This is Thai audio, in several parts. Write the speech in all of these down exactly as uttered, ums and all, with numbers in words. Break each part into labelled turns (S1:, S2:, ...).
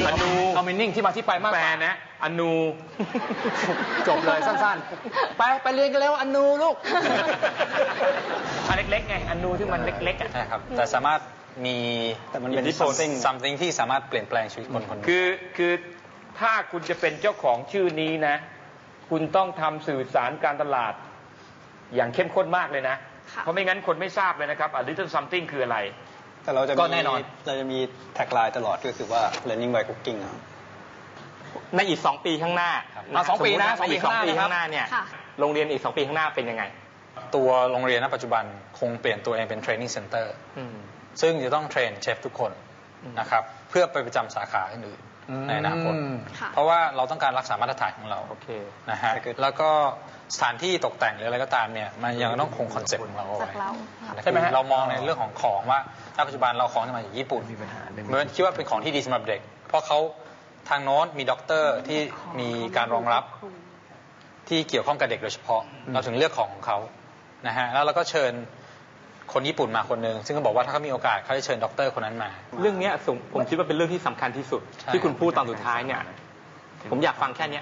S1: อนูเอามินิ่งที่มาที่ไปมากแปลนะอนูจบเลยสั้นๆไปไปเรียนกันแล้วอนูลูกอันเล็กๆไงอนูที่มันเล็กๆอ่ะ
S2: ใช่ครับแต่สามารถมีแต่มันเป็น something something ที่สามารถเปลี่ยนแปลงชีวิตคนคน
S3: คือคือถ้าคุณจะเป็นเจ้าของชื่อนี้นะคุณต้องทำสื่อสารการตลาดอย่างเข้มข้นมากเลยนะเพราะไม่งั้นคนไม่ทราบเลยนะครับ a little something คืออะไร
S2: แต่เราจะ
S1: ก็แน่นอน
S2: เราจะมีแท็กไลน์ตลอดก็คือว่า learning by cooking
S3: ในอีกสองปีข้างหน้า
S1: เอาสองปีนะ
S3: อีกสองปีข้างหน้าเนี่ยโรงเรียนอีกสองปีข้างหน้าเป็นยังไง
S2: ตัวโรงเรียนณปัจจุบันคงเปลี่ยนตัวเองเป็น training center ซึ่งจะต้องเทรนเชฟทุกคนนะครับเพื่อไปประจำสาขาอื่นในอนาคตเพราะว่าเราต้องการรักษามาตรฐานของเรานะฮะแล้วก็สถานที่ตกแต่งหรืออะไรก็ตามเนี่ยมันยังต้องคงคอนเซ็ปต์ของเราเอาไว้ใช่ไหมเรามองในเรื่องของของว่าณปัจจุบันเราของจะมาจากญี่ปุ่นเหมือนคิดว่าเป็นของที่ดีสำหรับเด็กเพราะเขาทางโน้นมีด็อกเตอร์ที่มีการรองรับที่เกี่ยวข้องกับเด็กโดยเฉพาะเราถึงเลือกของของเขานะฮะแล้วเราก็เชิญคนญี่ปุ่นมาคนหนึ่งซึ่งเขาบอกว่าถ้าเขามีโอกาสเขาจะเชิญด็อกเตอร์คนนั้นมา
S3: เรื่องนี้ผมคิดว่าเป็นเรื่องที่สำคัญที่สุดที่คุณพูดตอนสุดท้ายเนี่ยผมอยากฟังแค่นี้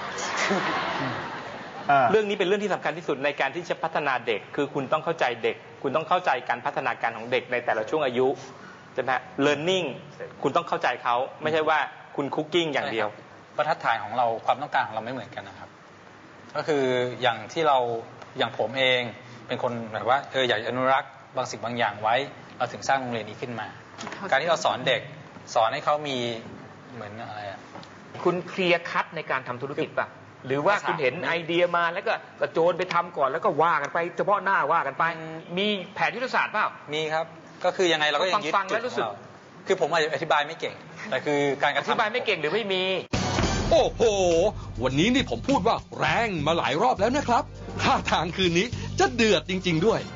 S3: เรื่องนี้เป็นเรื่องที่สำคัญที่สุดในการที่จะพัฒนาเด็กคือคุณต้องเข้าใจเด็กคุณต้องเข้าใจการพัฒนาการของเด็กในแต่ละช่วงอายุใช่ไหม learning คุณต้องเข้าใจเขาไม่ใช่ว่าคุณคุกกิ้งอย่างเดียว
S2: บรรทัดฐานของเราความต้องการของเราไม่เหมือนกันนะครับก็คืออย่างที่เราอย่างผมเองเป็นคนแบบว่าเอออยากอนุรักษ์บางสิ่งบางอย่างไว้เราถึงสร้างโรงเรียนนี้ขึ้นมาการที่เราสอนเด็กสอนให้เขามีเหมือนอะไรอ่ะ
S3: คุณเคลียร์คัทในการทำธุรกิจป่ะหรือว่าคุณเห็นไอเดียมาแล้วก็กระโจนไปทำก่อนแล้วก็ว่ากันไปเฉพาะหน้าว่ากันไปมีแผนยุทธศาสตร์เปล่า
S2: มีครับก็คือยังไงเราก็ยังยึดจุดของเราคือผมอธิบายไม่เก่งแต่คือการ
S3: อธิบายไม่เก่งหรือไม่มี
S4: โอ้โหวันนี้นี่ผมพูดว่าแรงมาหลายรอบแล้วนะครับท่าทางคืนนี้จะเดือดจริงๆด้วย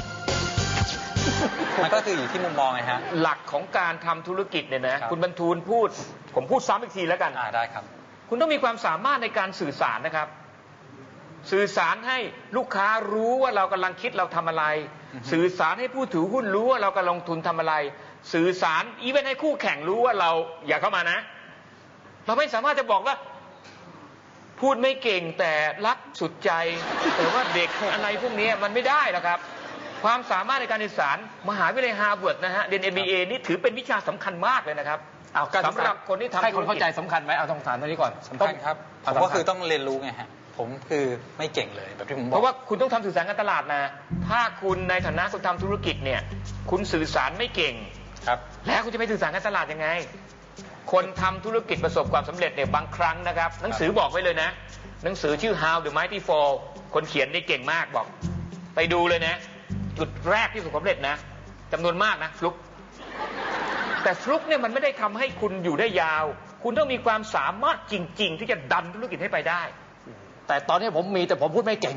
S2: มันก็คืออยู่ที่มุมมองไงฮะ
S3: หลักของการทำธุรกิจเนี่ยนะคุณบรรทูลพูดผมพูดซ้ำอีกทีแล้วกัน
S2: อ่าได้ครับ
S3: คุณต้องมีความสามารถในการสื่อสารนะครับสื่อสารให้ลูกค้ารู้ว่าเรากำลังคิดเราทำอะไรสื่อสารให้ผู้ถือหุ้นรู้ว่าเรากำลังลงทุนทำอะไรสื่อสารอีเวนต์ให้คู่แข่งรู้ว่าเราอย่าเข้ามานะเราไม่สามารถจะบอกว่าพูดไม่เก่งแต่รักสุดใจแต่ว่าเด็กอะไรพวกนี้มันไม่ได้นะครับความสามารถในการสื่อสารมหาวิทยาลัยฮาร์วาร์ดนะฮะเรียน เอ็ม บี เอ นี่ถือเป็นวิชาสำคัญมากเลยนะครับสำหรับคนที่ทำ
S1: ให้คนเข้าใจสำคัญไหมเอาต้องถามตรงนี้ก่อน
S2: สำคัญครับผมก็คือต้องเรียนรู้ไงฮะผมคือไม่เก่งเลยแบบที่ผมบอก
S3: เพราะว่าคุณต้องทำสื่อสารการตลาดนะถ้าคุณในฐานะคนทำธุรกิจเนี่ยคุณสื่อสารไม่เก่ง
S2: ครับ
S3: แล้วคุณจะไปสื่อสารการตลาดยังไงคนทำธุรกิจประสบความสำเร็จเนี่ยบางครั้งนะครับหนังสือบอกไว้เลยนะหนังสือชื่อ How the Mighty Fall คนเขียนนี่เก่งมากบอกไปดูเลยนะจุดแรกที่ประสบความสำเร็จนะจำนวนมากนะฟลุกแต่ฟลุกเนี่ยมันไม่ได้ทำให้คุณอยู่ได้ยาวคุณต้องมีความสามารถจริงๆที่จะดันธุรกิจให้ไปได้
S1: แต่ตอนนี้ผมมีแต่ผมพูดไม่เก่ง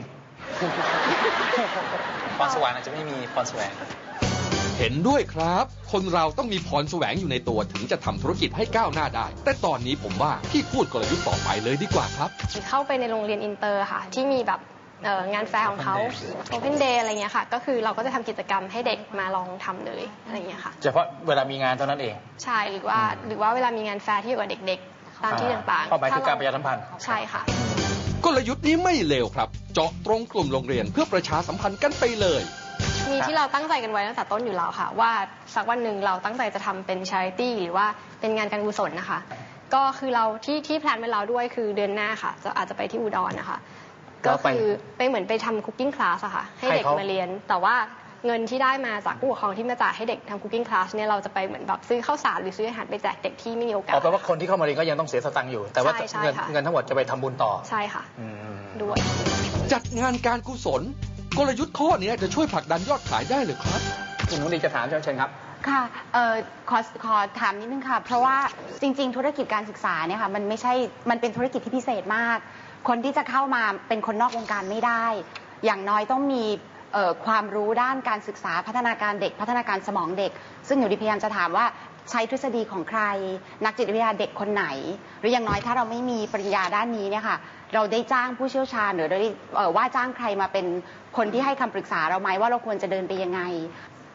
S2: พรสวรรค์อาจจะไม่มีพรแสวง
S4: เห็นด้วยครับคนเราต้องมีพรแสวงอยู่ในตัวถึงจะทำธุรกิจให้ก้าวหน้าได้แต่ตอนนี้ผมว่าพี่พูดกลยุทธ์ต่อไปเลยดีกว่าครับ
S5: เข้าไปในโรงเรียนอินเตอร์ค่ะที่มีแบบงานแฟร์ของเขา Open Day อะไรเงี้ยค่ะก็คือเราก็จะทำกิจกรรมให้เด็กมาลองทำเลยอะไรเงี้ยค่ะ
S1: เฉพาะเวลามีงานเท่านั้นเอง
S5: ใช่หรือว่าหรือว่าเวลามีงานแฟร์ที่อยู่กับเด็กๆตามที่ต่างๆ
S1: เข้าไปคือการประชาสัมพันธ์
S5: ใช่ค่ะ
S4: กลยุทธ์นี้ไม่เลวครับเจาะตรงกลุ่มโรงเรียนเพื่อประชาสัมพันธ์กันไปเลย
S5: มีที่เราตั้งใจกันไว้ตั้งแต่ต้นอยู่แล้วค่ะว่าสักวันหนึ่งเราตั้งใจจะทำเป็น charity หรือว่าเป็นงานการกุศลนะคะก็คือเราที่ที่แพลนไว้แล้วด้วยคือเดือนหน้าค่ะจะอาจจะไปที่อุดรนะคะก็คือไปเหมือนไปทำคุกกิ้งคลาสอะค่ะให้เด็กมาเรียนแต่ว่าเงินที่ได้มาจากผู้ปกครองที่มาจ่ายให้เด็กทำคุกกิ้งคลาสเนี่ยเราจะไปเหมือนแบบซื้อข้าวสารหรือซื้ออาหารไปแจกเด็กที่ไม่มีโอกาส
S1: แปลว่าคนที่เข้ามาเรียนก็ยังต้องเสียสตังค์อยู่แต่ว่าเงินเงินทั้งหมดจะไปทำบุญต่อ
S5: ใช่ค่ะด้วย
S4: จัดงานการกุศลกลยุทธ์ข้อนี้จะช่วยผลักดันยอดขายได้หรือครับ
S1: คุณนุ้ยจะถามเชิญครับ
S6: ค่ะเอ่อขอขอถามนิดนึงค่ะเพราะว่าจริงๆธุรกิจการศึกษาเนี่ยค่ะมันไม่ใช่มันเป็นธุรกิจที่พิเศษมากคนที่จะเข้ามาเป็นคนนอกวงการไม่ได้อย่างน้อยต้องมีความรู้ด้านการศึกษาพัฒนาการเด็กพัฒนาการสมองเด็กซึ่งหนูดิพยายามจะถามว่าใช้ทฤษฎีของใครนักจิตวิทยาเด็กคนไหนหรืออย่างน้อยถ้าเราไม่มีปริญญาด้านนี้เนี่ยค่ะเราได้จ้างผู้เชี่ยวชาญหรือได้ว่าจ้างใครมาเป็นคนที่ให้คำปรึกษาเราไหมว่าเราควรจะเดินไปยังไง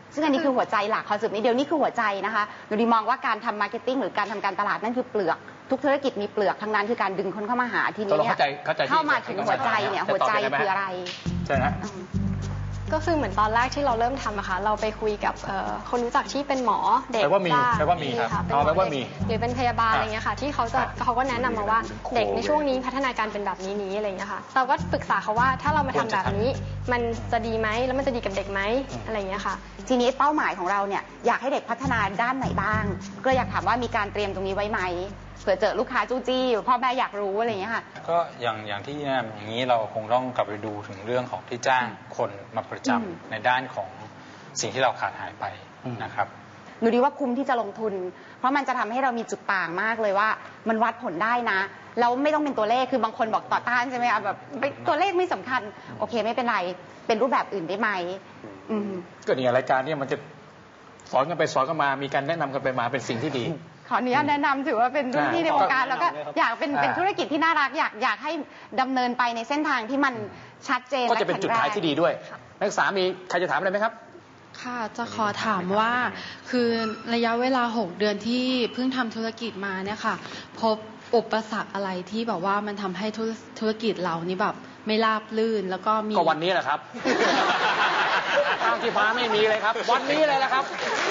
S6: ซึ่งอันนี้คือหัวใจหลักคอนเซ็ปต์นี้เดียวนี่คือหัวใจนะคะหนูดีมองว่าการทำมาร์เก็ตติ้งหรือการทำการตลาดนั่นคือเปลือกทุกธุรกิจมีเปลือกทั้งนั้นคือการดึงคนเข้ามาหาทีนี้เนี่ยเข้ามาถึงหัวใจเนี่ยหัวใจคืออะไร
S1: ใช่ฮะ
S5: ก็คือเหมือนตอนแรกที่เราเริ่มทำอะค่ะเราไปคุยกับคนรู้จักที่เป็นหมอเด็ก
S1: แปลว่ามีแปลว่ามีครับเอาแปลว่ามี
S5: หรือเป็นพยาบาลอะไรเงี้ยค่ะที่เขาจะเขาก็แนะนำมาว่าเด็กในช่วงนี้พัฒนาการเป็นแบบนี้นี้อะไรเงี้ยค่ะเราก็ปรึกษาเขาว่าถ้าเรามาทำแบบนี้มันจะดีไหมแล้วมันจะดีกับเด็กไหมอะไรเงี้ยค่ะ
S6: ทีนี้เป้าหมายของเราเนี่ยอยากให้เด็กพัฒนาด้านไหนบ้างก็อยากถามว่ามีการเตรียมตรงนี้ไว้ไหมเผื่อเจอลูกค้าจู้จี้พ่อแม่อยากรู้อะไรอย่างเงี้ยค่ะ
S2: ก็อย่างอย่างที่แนะนำอย่างนี้เราคงต้องกลับไปดูถึงเรื่องของที่จ้างคนมาประจำในด้านของสิ่งที่เราขาดหายไปนะครับ
S6: หนูดีว่าคุ้มที่จะลงทุนเพราะมันจะทำให้เรามีจุดต่างมากเลยว่ามันวัดผลได้นะแล้วไม่ต้องเป็นตัวเลขคือบางคนบอกต่อต้านใช่ไหมคะแบบตัวเลขไม่สำคัญโอเคไม่เป็นไรเป็นรูปแบบอื่นได้ไหม
S1: ก็เนี่ยรายการเนี่ยมันจะสอนกันไปสอนกันมามีการแนะนำกันไปมาเป็นสิ่งที่ดี
S6: ขออนุญาตแนะนำถือว่าเป็นรุ่นพี่ในวงการแล้วก็อยากเป็นเป็นธุรกิจที่น่ารักอยากอยากให้ดำเนินไปในเส้นทางที่มันชัดเจน
S1: ก็จะเป็นจุดขายที่ดีด้วยนักศึกษามีใครจะถามอะไรไหมครับ
S7: ค่ะจะขอถามว่าคือระยะเวลาหกเดือนที่เพิ่งทำธุรกิจมาเนี่ยค่ะพบอุปสรรคอะไรที่แบบว่ามันทำให้ธุรกิจเรานี่แบบไม่ราบรื่นแล้วก็มี
S1: ก็วันนี้แหละครับทางที่ฟ้าไม่มีเลยครับวันนี้เลยแหละครับ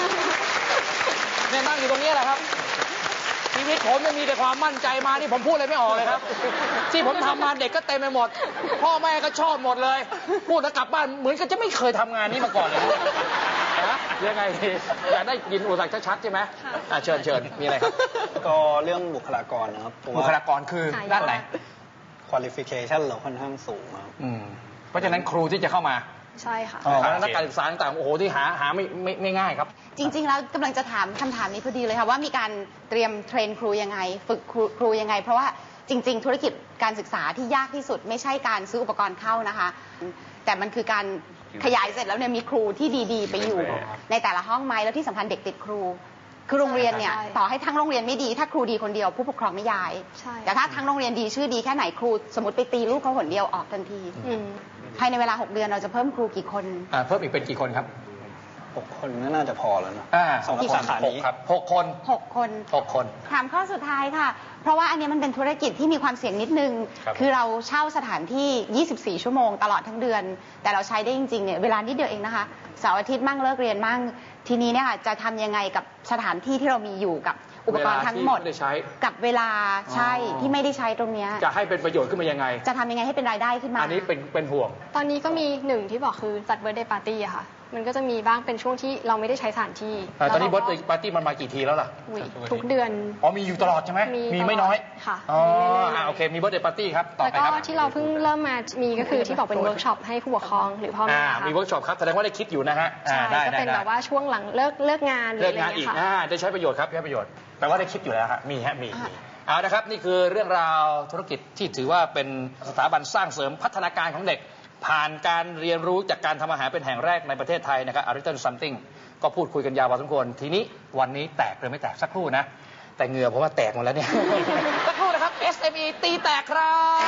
S1: เนี่ยนั่งอยู่ตรงนี้แหละครับชีวิตผมจะมีแต่ความมั่นใจมาที่ผมพูดอะไรไม่ออกเลยครับที่ผมทำมาเด็กก็เต็มไปหมดพ่อแม่ก็ชอบหมดเลยพูดแล้วกลับบ้านเหมือนกับจะไม่เคยทำงานนี้มาก่อนเลยนะยังไงอยากได้ยินอุปสรรคชัดๆใช่ไหมอ่าเชิญเชิญมีอะไรครับ
S8: ก็เรื่องบุคลากรนะครับ
S1: บุคลากรคือด้านไหน
S8: qualification เราค่อนข้างสูงครับ
S1: เพราะฉะนั้นครูที่จะเข้ามา
S5: ใช่ค่ะ
S1: นักการศึกษาต่างๆโอ้โหที่หาหาไม่ไม่ไม่ง่ายครับ
S6: จริงๆแล้วกำลังจะถามคำถามนี้พอดีเลยค่ะว่ามีการเตรียมเทรนครูยังไงฝึกครูยังไงเพราะว่าจริงๆธุรกิจการศึกษาที่ยากที่สุดไม่ใช่การซื้ออุปกรณ์เข้านะคะแต่มันคือการขยายเสร็จแล้วเนี่ยมีครูที่ดีๆไปอยู่ในแต่ละห้องไหมแล้วที่สำคัญเด็กติดครูคือโรงเรียนเนี่ยต่อให้ทั้งโรงเรียนไม่ดีถ้าครูดีคนเดียวผู้ปกครองไม่ย้ายแต่ถ้าทั้งโรงเรียนดีชื่อดีแค่ไหนครูสมมติไปตีลูกเขาหนเดียวออกทันทีภายในเวลาหกเดือนเราจะเพิ่มครูกี่คน
S1: เพิ่มอีกเป็นกี่คนครับ
S8: หกคนน่าจะพอแล้วนะ
S1: สองสาขานี้ครับหกคน
S6: หกคน
S1: หกคน
S6: ถามข้อสุดท้ายค่ะเพราะว่าอันนี้มันเป็นธุรกิจที่มีความเสี่ยงนิดนึงคือเราเช่าสถานที่ยี่สิบสี่ชั่วโมงตลอดทั้งเดือนแต่เราใช้ได้จริงๆเนี่ยเวลานิดเดียวเองนะคะเสาร์อาทิตย์มั่งเลิกเรียนมั่งทีนี้เนี่ยค่ะจะทำยังไงกับสถานที่ที่เรามีอยู่กับอุปกรณ์ทั้งหมดกับเวลาใช่ที่ไม่ได้ใช้ตรงนี้
S1: จะให้เป็นประโยชน์ขึ้นมายังไง
S6: จะทำยังไงให้เป็นรายได้ขึ้นมา
S1: อันนี้เป็นเป็นห่วง
S5: ตอนนี้ก็มีหนึ่งที่บอกคือจัดเบิร์ธเดย์ปาร์ตี้อะค่ะมันก็จะมีบ้างเป็นช่วงที่เราไม่ได้ใช้สถานที่
S1: ตอนนี้เบิร์ธเดย์ปาร์ตี้มันมากี่ทีแล้วล่ะ
S5: ทุกเดือน
S1: อ๋อมีอยู่ตลอดใช่ไหมมีไม่น้อย
S5: ค่ะ
S1: อ๋อโอเคมีเบิร์ธเดย์ปาร์ตี้ครับต่อไปครับ
S5: แล้วก็ที่เราเพิ่งเริ่มมามีก็คือที่บอกเป็นเวิร์กช็อปให้ผู้ปกครองหรือพ่อแม่
S1: มีเวิร์กช็อปครับแสดงว่าได้คิดอยู่นะฮะ
S5: ใช่ก็เป็นแบบว่าช่วงหลังเลิกเลิกงาน
S1: เลิกงานอีกได้ใช้ประโยชน์ครับใช้ประโยชน์แปลว่าได้คิดอยู่แล้วครับมีฮะมีเอาละครับนี่คือเรื่องราวธุรกิจที่ถือว่าเป็นสถาบันสร้างเสริมพัฒนาการของเด็กผ่านการเรียนรู้จากการทำอาหารเป็นแห่งแรกในประเทศไทยนะครับ A Little Something ก็พูดคุยกันยาวพอสมควรทีนี้วันนี้แตกหรือไม่แตกสักครู่นะแต่เหงื่อเพราะว่าแตกหมดแล้วเนี่ยสักครู่นะครับ เอส เอ็ม อี ตีแตกครับ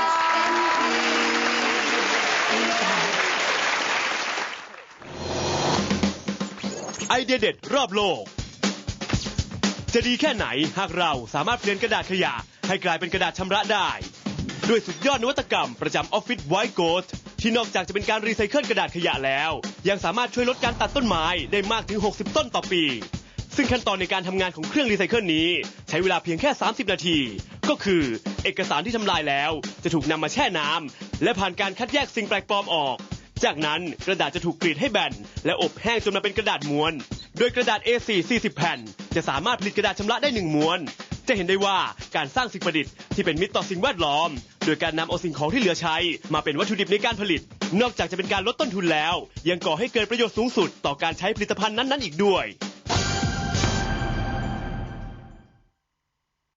S9: ไอเดียเด็ดรอบโลกจะดีแค่ไหนหากเราสามารถเปลี่ยนกระดาษขยะให้กลายเป็นกระดาษชำระได้ด้วยสุดยอดนวัตกรรมประจำออฟฟิศไวท์โกสต์ที่นอกจากจะเป็นการรีไซเคิลกระดาษขยะแล้วยังสามารถช่วยลดการตัดต้นไม้ได้มากถึงหกสิบต้นต่อปีซึ่งขั้นตอนในการทำงานของเครื่องรีไซเคิลนี้ใช้เวลาเพียงแค่สามสิบนาทีก็คือเอกสารที่ทำลายแล้วจะถูกนำมาแช่น้ำและผ่านการคัดแยกสิ่งแปลกปลอมออกจากนั้นกระดาษจะถูกกรีดให้แบนและอบแห้งจนมาเป็นกระดาษม้วนโดยกระดาษ เอ โฟร์ สี่สิบแผ่นจะสามารถผลิตกระดาษชำระได้หนึ่งม้วนจะเห็นได้ว่าการสร้างสิ่งประดิษฐ์ที่เป็นมิตรต่อสิ่งแวดล้อมโดยการนำเอาสิ่งของที่เหลือใช้มาเป็นวัตถุดิบในการผลิตนอกจากจะเป็นการลดต้นทุนแล้วยังก่อให้เกิดประโยชน์สูงสุดต่อการใช้ผลิตภัณฑ์นั้นๆอีกด้วย